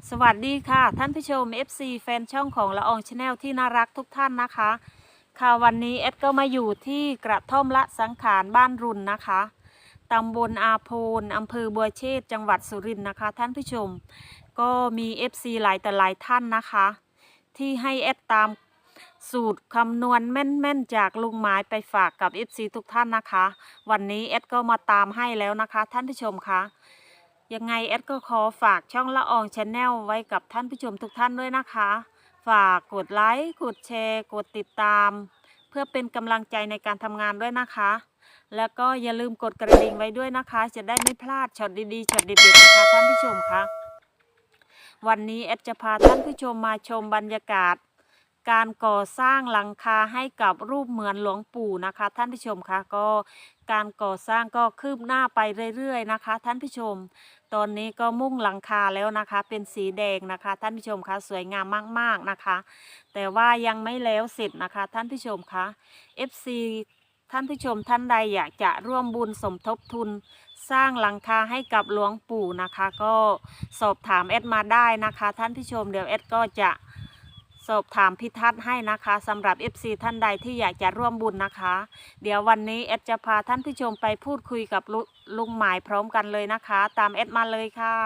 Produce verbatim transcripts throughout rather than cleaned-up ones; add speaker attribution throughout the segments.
Speaker 1: สวัสดีค่ะท่านผู้ชม เอฟ ซี แฟนช่องของละอองชาแนลที่น่ารักทุกท่านนะคะค่ะวันนี้เอดก็มาอยู่ที่กระท่อมละสังขารบ้านรุนนะคะตำบลอาโพนอำเภอบัวเชษจังหวัดสุรินทร์นะคะท่านผู้ชมก็มี เอฟ ซี หลายแต่หลายท่านนะคะที่ให้เอดตามสูตรคำนวณแม่นๆจากลุงหมายไปฝากกับ เอฟ ซี ทุกท่านนะคะวันนี้เอดก็มาตามให้แล้วนะคะท่านผู้ชมคะยังไงแอดก็ขอฝากช่องละอองชาแนลไว้กับท่านผู้ชมทุกท่านด้วยนะคะฝากกดไลค์กดแชร์กดติดตามเพื่อเป็นกำลังใจในการทำงานด้วยนะคะแล้วก็อย่าลืมกดกระดิ่งไว้ด้วยนะคะจะได้ไม่พลาดช็อตดีๆช็อตเด็ดๆนะคะท่านผู้ชมคะวันนี้แอดจะพาท่านผู้ชมมาชมบรรยากาศการก่อสร้างหลังคาให้กับรูปเหมือนหลวงปู่นะคะท่านผู้ชมคะก็การก่อสร้างก็คืบหน้าไปเรื่อยๆนะคะท่านผู้ชมตอนนี้ก็มุ่งหลังคาแล้วนะคะเป็นสีแดงนะคะท่านผู้ชมคะสวยงามมากๆนะคะแต่ว่ายังไม่แล้วเสร็จนะคะท่านผู้ชมคะ เอฟ ซี ท่านผู้ชมท่านใดอยากจะร่วมบุญสมทบทุนสร้างหลังคาให้กับหลวงปู่นะคะก็สอบถามแอดมาได้นะคะท่านผู้ชมเดี๋ยวแอดก็จะสอบถามพิทัศน์ให้นะคะสำหรับ เอฟ ซี ท่านใดที่อยากจะร่วมบุญนะคะเดี๋ยววันนี้แอดจะพาท่านผู้ชมไปพูดคุยกับลุลุงหมายพร้อมกันเลยนะคะตามแอดมาเลยค่ะ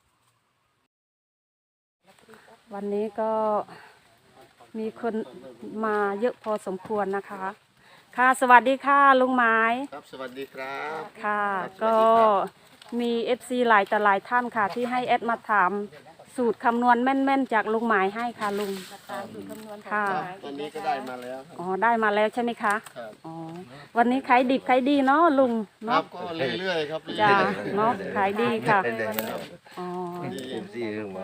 Speaker 1: วันนี้ก็มีคนมาเยอะพอสมควรนะคะค่ะสวัสดีค่ะลุงหมาย
Speaker 2: ครับสวัสดีครับ
Speaker 1: ค่ะก็มี เอฟ ซี หลายแต่หลายท่านค่ะที่ให้แอดมาถามสูตรคำนวณแม่นๆจากลุงหมายให้ค่ะลุงค่ะ
Speaker 2: ตอนนี้ก็ได้มาแล้ว
Speaker 1: อ๋อได้มาแล้วใช่ไหมคะ
Speaker 2: ครับ
Speaker 1: อ๋อวันนี้ขายดิบขายดีเนาะลุง
Speaker 2: ครั
Speaker 1: เนาะ
Speaker 2: บก็เรื่อยๆครับ
Speaker 1: จ้าเนาะขายดีค่ะอ๋อ
Speaker 2: ดีเรื่องมา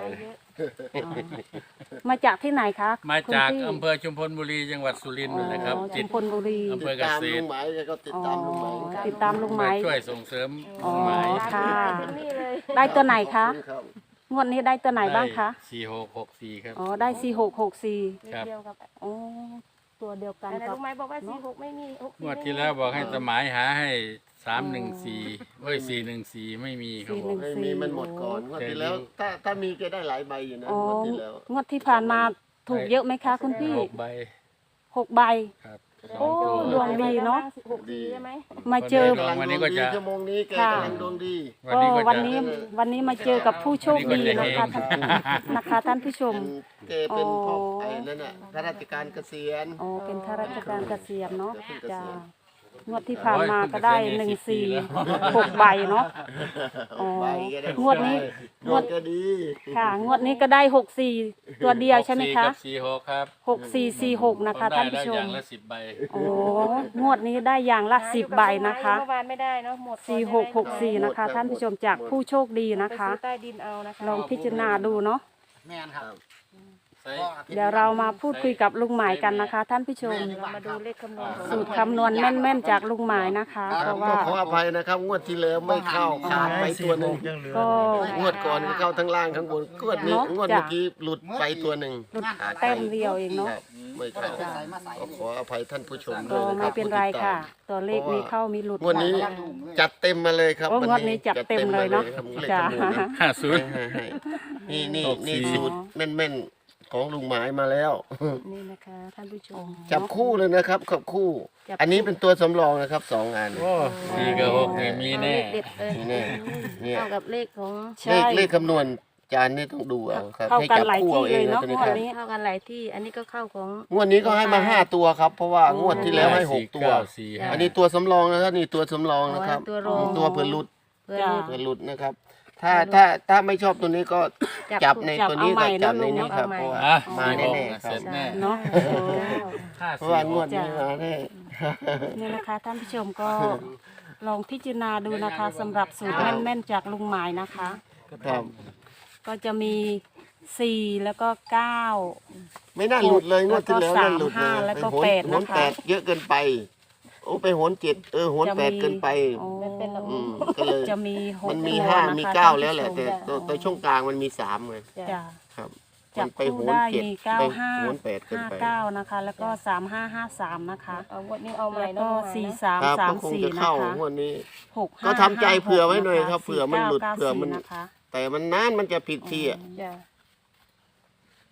Speaker 1: มาจากที่ไหนคะ
Speaker 3: มาจากอำเภอชุมพลบุรีจังหวัดสุรินทร์นะครับ
Speaker 1: ชุมพลบุรี
Speaker 3: อำเภอเกษตร
Speaker 2: ลุงหมายก็ติดตามลุงหมาย
Speaker 1: ติดตามลุงหมาย
Speaker 3: ช่วยส่งเสริม
Speaker 1: อ๋อ
Speaker 3: ลุงหมาย
Speaker 1: ค่ะได้ตัวไหนคะงวดนี้ได้ตัวไหนบ้างคะ
Speaker 3: สี่หกหกสี่ครับ
Speaker 1: อ๋อได้สี่หกหกสี่
Speaker 3: ครับ
Speaker 1: อ๋อตัวเดียวกัน
Speaker 4: แต่ลุงหมายบอกว่าสี่หกไม่มีหกสี่
Speaker 3: งวดที่แล้วบอกให้สมายหาให้สามหนึ่งสี่เฮ้ยสี่หนึ่งสี่ไม่มีครับผม
Speaker 2: ไม่มีมันหมดก่อนงวดที่แล้วถ้าถ้ามีก็ได้หลายใบอยู่นะงวดที่แล้ว
Speaker 1: งวดที่ผ่านมาถูกเยอะไหมคะคุณพี่
Speaker 3: หกใบ
Speaker 1: หกใบ
Speaker 3: ครับ
Speaker 1: โอ้ดวงดีเนาะ
Speaker 4: หกสี่ใช่ไหม
Speaker 1: มาเจอ
Speaker 3: วันนี้ก็จะ
Speaker 2: ชั่วโมงนี้แกกำลังดวงดี
Speaker 1: ก็วันนี้วันนี้มาเจอกับผู้โชคดีนะคะท่านนะคะท่านผู้ชม
Speaker 2: แกเป็นพ่อไอ้นั่นน่ะข้าราชการเกษียณ
Speaker 1: อ๋อเป็นข้าราชการเกษียณเนาะจ้างวดที่ผ่านมาก็ได้หนึ่งสี่หกใบเนาะอ๋องวดนี้
Speaker 2: งวดก็ดี
Speaker 1: ค่ะงวดนี้ก็ได้หกสี่ตัวเดียวใช่ไหมคะ
Speaker 3: สี่หกครับ
Speaker 1: หกสี่สี่หกนะคะท่านผู้ชม
Speaker 3: อย่างละสิบใบ
Speaker 1: โอ้งวดนี้ได้อย่างละสิบใบนะคะ
Speaker 4: เมื่อวานไม่ได้เนาะหมด
Speaker 1: สี่หกหกสี่นะคะท่านผู้ชมจากผู้โชคดีนะคะ
Speaker 4: ใต้ดินเอานะคะ
Speaker 1: ลองพิจารณาดูเนาะ
Speaker 2: แม่นครับ
Speaker 1: เดี๋ยวเรามาพูดคุยกับลุงหมายกันนะคะท่านผู้ชม
Speaker 4: มาดูเลขคำนวณ
Speaker 1: สูตรคำนวณแม่นๆจากลุงหมายนะคะเพราะว่า
Speaker 2: ขออภัยนะครับงวดที่แล้วไม่เข้าขาดไปตัวหนึ่ง
Speaker 1: ก็
Speaker 2: งวดก่อนเข้าทั้งล่างทั้งบนงวดนี้งวดเมื่อกี้หลุดไปตัวหนึ่ง
Speaker 1: หลุดแต้มเดียวเองเนาะ
Speaker 2: ไม่เข้าขออภัยท่านผู้ชมด้
Speaker 1: ก็
Speaker 2: วย
Speaker 1: ไม่เป็นไรค่ะตัวเลขมีเข้ามีหลุด
Speaker 2: งวดนี้จัดเต็มมาเลยครับ
Speaker 1: งวดนี้จัดเต็มเลยเนาะจ้า
Speaker 3: ห้าศูนย์
Speaker 2: นี่นี่นี่สูตรแม่นๆของลุงหมายมาแล้ว
Speaker 1: นี่นะคะท่านผู้ชม
Speaker 2: จับคู่เลยนะครับขับคู่อันนี้เป็นตัวสำรองนะครับสองงาน
Speaker 3: สี่กับหกมีแน่
Speaker 2: มีแน่เนี่ย
Speaker 4: เท่ากับเลขของ
Speaker 2: เลขเลขคำนวณจานนี่ต้องดูเอาครับ
Speaker 1: ให้จับคู่เอาเองนะ
Speaker 4: งวดนี้เท่ากันหลายที่อันนี้ก็เข้าของ
Speaker 2: งวดนี้ก็ให้มาห้าตัวครับเพราะว่างวดที่แล้วให้หกตัวอันนี้ตัวสำรองนะครับนี่ตัวสำรองนะครับตัวเผื่อหลุดเผื่อหลุดนะครับถ้าถ้าถ้าไม่ชอบตัวนี้ก็จับในตัวนี้กับจับในนี้ครับเพราะว่ามาแน่ๆครับ
Speaker 1: เนาะ
Speaker 2: เพราะว่างวดนี้มาแน่
Speaker 1: นี่นะคะท่านผู้ชมก็ลองพิจารณาดูนะคะสำหรับสูตรแม่นๆจากลุงหมายนะคะ
Speaker 2: ครับ
Speaker 1: ก็จะมีสี่แล้วก็เก้า
Speaker 2: ไม่น่าหลุดเลยงวดที่แล้วน่าหลุดเลย
Speaker 1: แล้วก็แปดนะคะ
Speaker 2: แปดเยอะเกินไปโอ้ไปโหนเจ็ดเออโหนแปดเกินไปก็เลย
Speaker 1: จะมี
Speaker 2: มันมีห้ามีเก้าแล้วแหละแต่ตัวช่วงกลางมันมีสามเลยครับ
Speaker 1: จับคู่ได้มีเก้าห้าห้าเก้านะคะแล้วก็สามห้าห้าสามนะคะ
Speaker 4: เอางวดนี้เอาใหม่
Speaker 1: แล้วก็สี่สามสามสี่
Speaker 2: นะคะงวดนี้ก็ทำใจเผื่อไว้หน่อยครับเผื่อมันหลุดเผื่อมันแต่มันนานมันจะผิดที่อ่ะ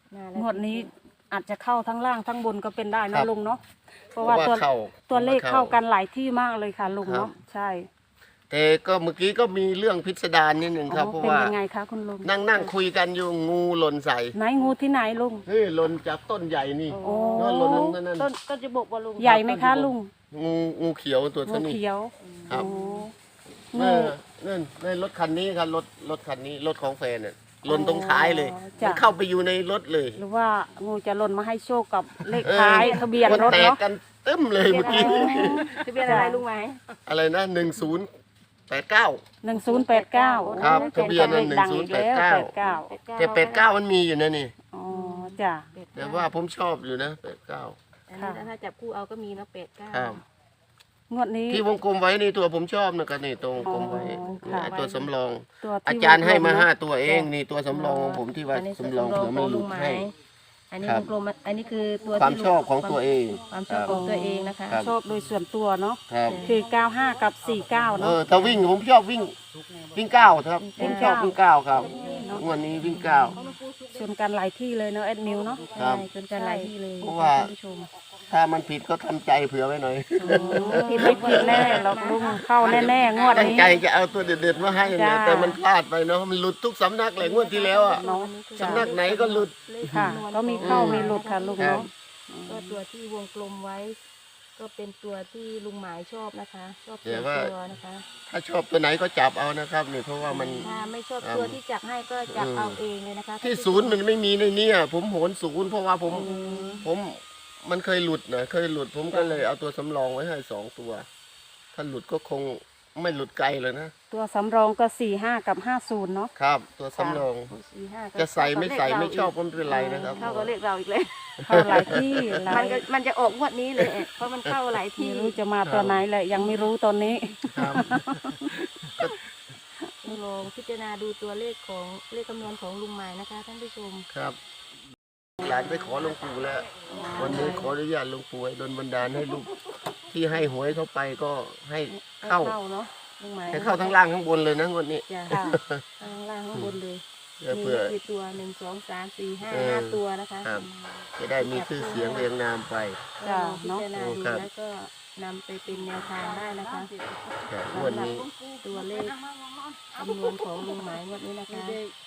Speaker 4: มาแล้ว
Speaker 1: งวดนี้อาจจะเข้าทั้งล่างทั้งบนก็เป็นได้
Speaker 2: ครั
Speaker 1: นะ
Speaker 2: บ
Speaker 1: ลุงเนาะเพ
Speaker 2: เพ
Speaker 1: ราะ
Speaker 2: ราะ
Speaker 1: ว่า
Speaker 2: ว่า
Speaker 1: ตัว
Speaker 2: เข้า
Speaker 1: ตัวเลข
Speaker 2: เข้า
Speaker 1: เข้ากันหลายที่มากเลยค่ะลุง
Speaker 2: ครับ
Speaker 1: เนาะใช่
Speaker 2: แต่ก็เมื่อกี้ก็มีเรื่องพิสดารนิดหนึ่งครับ
Speaker 1: อ๋อ
Speaker 2: เพราะ
Speaker 1: เป็น
Speaker 2: ว่า
Speaker 1: ยังไงคะคุณลุง
Speaker 2: นั่งนั่งคุยกันอยู่งูหล่นใส่
Speaker 1: ไหนงูที่ไหนลุง
Speaker 2: เฮ้ยหล่นจากต้นใหญ่นี่
Speaker 1: โอ้
Speaker 2: นั่นหล่นนั่นนั่น
Speaker 4: ต้นต้นจะบอกว่าลุง
Speaker 1: ใหญ่ไหมคะลุง
Speaker 2: งูงูเขียวตัว
Speaker 1: งู
Speaker 2: เท่านี้
Speaker 1: เขียว
Speaker 2: ครับ
Speaker 1: โอ้
Speaker 2: นั่
Speaker 1: งู
Speaker 2: นนั่นนั่นรถคันนี้ครับรถรถคันนี้รถของแฟนน่ะหล่นตรงท้ายเลย
Speaker 1: จ้ะ
Speaker 2: มันเข้าไปอยู่ในรถเลย
Speaker 1: หรือว่างูจะหล่นมาให้โชคกับเลข
Speaker 2: เออ
Speaker 1: ท้ายทะเบียนรถ
Speaker 2: มัแตก
Speaker 1: เนาะ
Speaker 2: กันตึ้มเลยเมื่อกี้
Speaker 4: ทะเบียนอะไรลุงไหม
Speaker 2: อะไรนะหนึ่งศูนย์แปดเก้า
Speaker 1: หนึ่งศูนย์แปดเก้า
Speaker 2: ครับทะเบียน
Speaker 1: เล
Speaker 2: นั้น
Speaker 1: ขดังอีกแล้ว
Speaker 2: หนึ่งศูนย์แปดเก้า
Speaker 1: แปดเก้า
Speaker 2: แต่แปดเก้ามันมีอยู่นะนี่
Speaker 1: อ๋อจ้ะ
Speaker 2: แต่ว่าผมชอบอยู่นะแปดเก้า
Speaker 4: อันนี้ถ้าจับคู่เอาก็มีเนาะแปดเก้า
Speaker 2: ครับ
Speaker 1: งวดนี้
Speaker 2: ที่วงกลมไว้นี่ตัวผมชอบนะครับนี่ตัววงกลมไว้
Speaker 1: อ๋อค่ะ
Speaker 2: ไอ้ตัวสำรอง
Speaker 1: ตัวที่
Speaker 2: อาจารย์ให้มา
Speaker 1: วงกล
Speaker 2: ห้า
Speaker 1: เนะ
Speaker 2: ตัวเองนี่ตัวสำรองของผมที่ว่า
Speaker 4: อันนี้
Speaker 2: สำรองเผื่อมันหลุดให้
Speaker 4: อันนี้
Speaker 2: ครับ
Speaker 4: วงกลมอันนี้คือตัว
Speaker 2: ความ
Speaker 4: ที่
Speaker 2: ชอบของตัวเอง
Speaker 4: ความชอบของตัวเองนะคะ
Speaker 2: ครับ
Speaker 1: ชอบโดยส่วนตัวเนาะ
Speaker 2: ครับ
Speaker 1: คือเก้าห้ากับสี่เก้า
Speaker 2: เอ
Speaker 1: เนาะ
Speaker 2: อถ้าวิ่งผมชอบวิ่งวิ่งเก้าครับผมชอบวิ่งเก้าครับงวันนี้วิ่งเก้า
Speaker 1: ชนกันหลายที่เลยเนาะแอดมิวเนาะ
Speaker 2: ครับ
Speaker 4: ใช่จนกันหลายที่เลย
Speaker 2: เพราะว่า
Speaker 4: ท่านผู้ชม
Speaker 2: ถ้ามันผิดก็ทำใจเผื่อไว้หน่อย
Speaker 1: ผิดไม่ผิดแน่หรอกลุงเข้าแน่ๆงวด
Speaker 2: ตั้ง
Speaker 1: นี้
Speaker 2: ใจจะเอาตัวเด็ดๆมาให้นะ
Speaker 1: จ้า
Speaker 2: แต่มันพลาดไปเนาะมันหลุดทุกสำนักเลยงวดที่แล้วอ่ะ
Speaker 1: เนาะ
Speaker 2: สำนักไหนก็หลุด
Speaker 1: ค่ะ ก็มีเข้ามีหลุดค่ะลุง
Speaker 2: ครับ
Speaker 1: เนาะ
Speaker 4: ก็ตัวที่วงกลมไว้ ก็เป็นตัวที่ลุงหมายชอบนะคะ ชอบ
Speaker 2: แต่
Speaker 4: ตัว
Speaker 2: ว่า
Speaker 4: ตัวนะคะ
Speaker 2: ถ้าชอบตัวไหนก็จับเอานะครับนี่เพราะว่ามัน
Speaker 4: ถ้าไม่ชอบ
Speaker 2: ครับ
Speaker 4: ตัวที่จับให้ก็จับ
Speaker 2: อืม
Speaker 4: เอาเองเลยนะคะ
Speaker 2: ที่ศูนย์มันไม่มีในเนี้ผมโหนศูนย์เพราะว่าผม
Speaker 4: อืม
Speaker 2: ผมมันเคยหลุดนะเคยหลุด ผมก็เลยเอาตัวสำรองไว้ให้สองตัว ถ้าหลุดก็คงไม่หลุดไกลเลยนะ
Speaker 1: ตัวสำรองก็สี่ห้ากับห้าศูนย์เนาะ
Speaker 2: ครับ ตัวสำรอง
Speaker 4: สี่ห้าก็
Speaker 2: จะใส่ไม่ใส่
Speaker 4: เข้ากับ
Speaker 2: ไม่ชอบ
Speaker 4: เลข
Speaker 2: ก็ไม่เป็นไรนะครับ
Speaker 4: เข้ากับเลขเราอีกเลย
Speaker 1: เข้าหลายที่หลา
Speaker 4: มัน
Speaker 1: ย
Speaker 4: ก็มันจะออกงวดนี้เลยเอ๊ะเพราะมันเข้าหลายที่
Speaker 1: ไม่รู้จะมาตัวไหนแหละยังไม่รู้ตอนนี้
Speaker 2: ครับ
Speaker 4: ลองพิจารณาดูตัวเลขของเลขคำนวณของลุงหมายนะคะ ท่านผู้ชม
Speaker 2: ครับหลานไปขอหลวงปู่แล้ว วันนี้ขออนุญาตหลวงปู่ให้ดลบันดาลให้ลูกที่ให้หวยเข้าไปก็ให้เข้า
Speaker 1: เข้าเนาะลุงหมาย
Speaker 2: ให้เข้าทั้งล่างทั้งบนเลยนะงวดนี้
Speaker 4: จ้ะ
Speaker 1: ค่ะ
Speaker 4: ข้างล่างข้างบนเลย
Speaker 2: เพื่อ
Speaker 4: มี
Speaker 2: เพื่อ
Speaker 4: กี่ตัวหนึ่งสองสามสี่ห้า
Speaker 2: เออ
Speaker 4: ห้าตัวนะคะ
Speaker 2: ครับ จะได้มีชื่อเสียงเรียงนามไป
Speaker 1: จ้ะ
Speaker 4: ลองพิ
Speaker 1: เนาะ
Speaker 4: จารณาดู
Speaker 2: ครับ
Speaker 4: แล้วก็นำไปเป็นแนวทางได้นะคะ
Speaker 2: แต่งวดนี้
Speaker 4: ตัวเลขคำนวณของลุงหมายงวดนี้นะคะ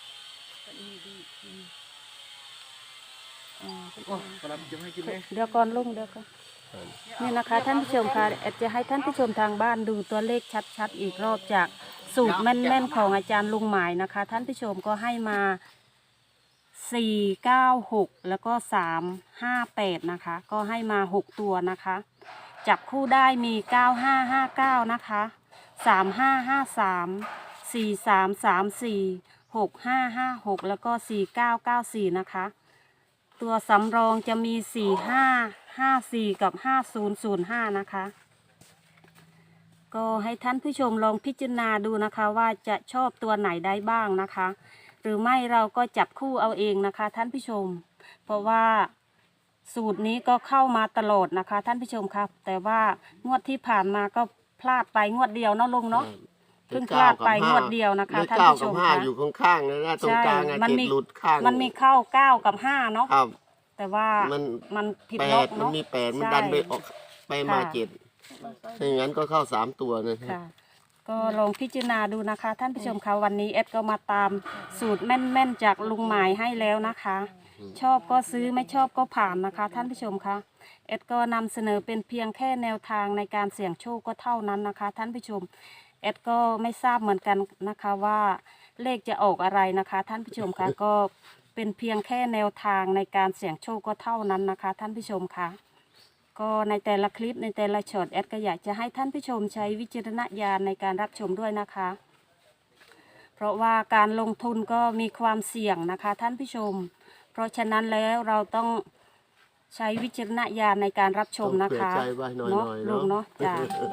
Speaker 4: อ่า
Speaker 1: เดี๋ยวก่อนลุงเดี๋ยวก่อนนี่นะคะ ท่านผู้ชมค่ะแอดจะให้ท่านผู้ชมทางบ้านดูตัวเลขชัดๆอีกรอบจากสูตรแม่นๆของอาจารย์ลุงหมายนะคะ ท่านผู้ชมก็ให้มาสี่เก้าหกแล้วก็สามห้าแปดนะคะ ก็ให้มาหกตัวนะคะ จับคู่ได้มีเก้าห้าห้าเก้านะคะสามห้าห้าสามสี่สามสามสี่หกห้าห้าหกแล้วก็สี่เก้าเก้าสี่นะคะ ตัวสำรองจะมีสี่ห้าห้าสี่กับห้าศูนย์ศูนย์ห้านะคะ ก็ให้ท่านผู้ชมลองพิจารณาดูนะคะว่าจะชอบตัวไหนได้บ้างนะคะ หรือไม่เราก็จับคู่เอาเองนะคะ ท่านผู้ชม เพราะว่าสูตรนี้ก็เข้ามาตลอดนะคะ ท่านผู้ชมครับ แต่ว่างวดที่ผ่านมาก็พลาดไปงวดเดียวเนาะลุงเนาะ เพิ่งพลาดไปงวดเดียวนะคะ
Speaker 2: เลข
Speaker 1: ท่าน
Speaker 2: เก้า
Speaker 1: ผู้ช
Speaker 2: กับ
Speaker 1: ม
Speaker 2: ห้า
Speaker 1: คะ
Speaker 2: อยู่ข้างๆเลยนะตรงกลางอะ
Speaker 1: มัน
Speaker 2: เจ็ด
Speaker 1: มี
Speaker 2: หลุดข้าง
Speaker 1: มันมีเข้าเก้ากับห้าเนาะ
Speaker 2: ครับ
Speaker 1: แต่ว่า
Speaker 2: มัน
Speaker 1: มันผิด
Speaker 2: แป
Speaker 1: ล็อ
Speaker 2: ด
Speaker 1: ก
Speaker 2: มัน
Speaker 1: เนาะ
Speaker 2: มีแปดมัน
Speaker 1: ใช่
Speaker 2: ดันไปออกไปมา
Speaker 1: ค่ะ
Speaker 2: เจ็ดถ้าอย่างนั้นก็เข้าสามตัวนะ
Speaker 1: ค่ะ ก็ลองพิจารณาดูนะคะ ท่านผู้ชมคะวันนี้เอ็ดก็มาตามสูตรแม่นๆจากลุงหมายให้แล้วนะคะ ชอบก็ซื้อไม่ชอบก็ผ่านนะคะ ท่านผู้ชมคะเอ็ดก็นำเสนอเป็นเพียงแค่แนวทางในการเสี่ยงโชคก็เท่านั้นนะคะ ท่านผู้ชมเอ็ดก็ไม่ทราบเหมือนกันนะคะว่าเลขจะออกอะไรนะคะ ท่านผู้ชมคะก็เป็นเพียงแค่แนวทางในการเสี่ยงโชคก็เท่านั้นนะคะ ท่านผู้ชมคะก็ในแต่ละคลิปในแต่ละช็อตแอดก็อยากจะให้ท่านผู้ชมใช้วิจารณญาณในการรับชมด้วยนะคะ เพราะว่าการลงทุนก็มีความเสี่ยงนะคะ ท่านผู้ชม เพราะฉะนั้นแล้วเราต้องใช้วิจารณญาณในการรับชมนะคะ
Speaker 2: ต้องเผื่อใจไว้หน่อยๆ
Speaker 1: เนาะ
Speaker 2: เนอะ
Speaker 1: ลุงเนาะจ้า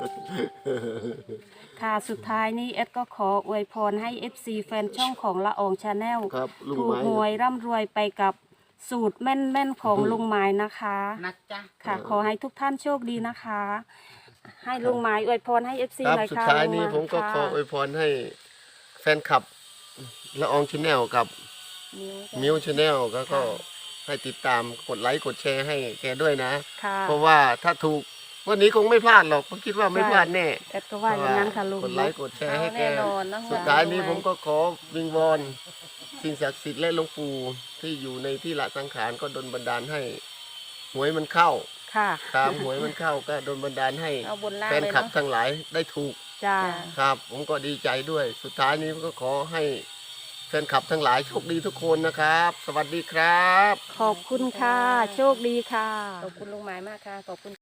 Speaker 1: ค่ะสุดท้ายนี้เอดก็ขออวยพรให้ เอฟ ซี แฟนช่องของละอองชาแนล
Speaker 2: ครับลุง
Speaker 1: ถู
Speaker 2: ไม้
Speaker 1: กหวยร่ำรวยไปกับสูตรแม่นๆของลุงไม้นะคะ
Speaker 5: นะจ๊ะ
Speaker 1: ค่ะ ขอให้ทุกท่านโชคดีนะคะ ให้ลุงไม้อวยพรให้ เอฟ ซี
Speaker 2: ครับ
Speaker 1: หน่อย
Speaker 2: สุด
Speaker 1: ค่ะ
Speaker 2: ท้ายนี้
Speaker 1: ลุงไ
Speaker 2: ผมก็
Speaker 1: ค่ะ
Speaker 2: ขออวยพรให้แฟนคลับละอองชาแนลกับมิวชาแนลก็ก็ให้ติดตามกดไลค์กดแชร์ให้แกด้วยนะ
Speaker 1: ค่ะ
Speaker 2: เพราะว่าถ้าถูกวันนี้คงไม่พลาดหรอกเพราะคิดว่าไม่พลาดแน่
Speaker 1: แอดก็ว่าอย่างนั้นค่ะลุง
Speaker 2: กดไลค์กดแชร์ให้แก
Speaker 4: เอาแน่นอนนะ
Speaker 2: สุดท้ายนี้ผมก็ขอวิงวอนสิ่งศักดิ์สิทธิ์และหลวงปู่ที่อยู่ในที่ละสังขารก็ดลบันดาลให้หวยมันเข้า
Speaker 1: ค่ะ
Speaker 2: ตามหวยมันเข้าก็ดลบันดาลให้
Speaker 4: เอาบนล่าง
Speaker 2: แฟน
Speaker 4: เลย
Speaker 2: คลับ
Speaker 4: เนาะ
Speaker 2: ทั้งหลายได้ถูก
Speaker 1: จ้า
Speaker 2: ครับ ผมก็ดีใจด้วย สุดท้ายนี้ก็ขอให้แฟนคลับทั้งหลายโชคดีทุกคนนะครับ สวัสดีครับ
Speaker 1: ขอบคุณค่ะ โชคดีค่ะ
Speaker 4: ขอบคุณลุงหมายมากค่ะ ขอบคุณ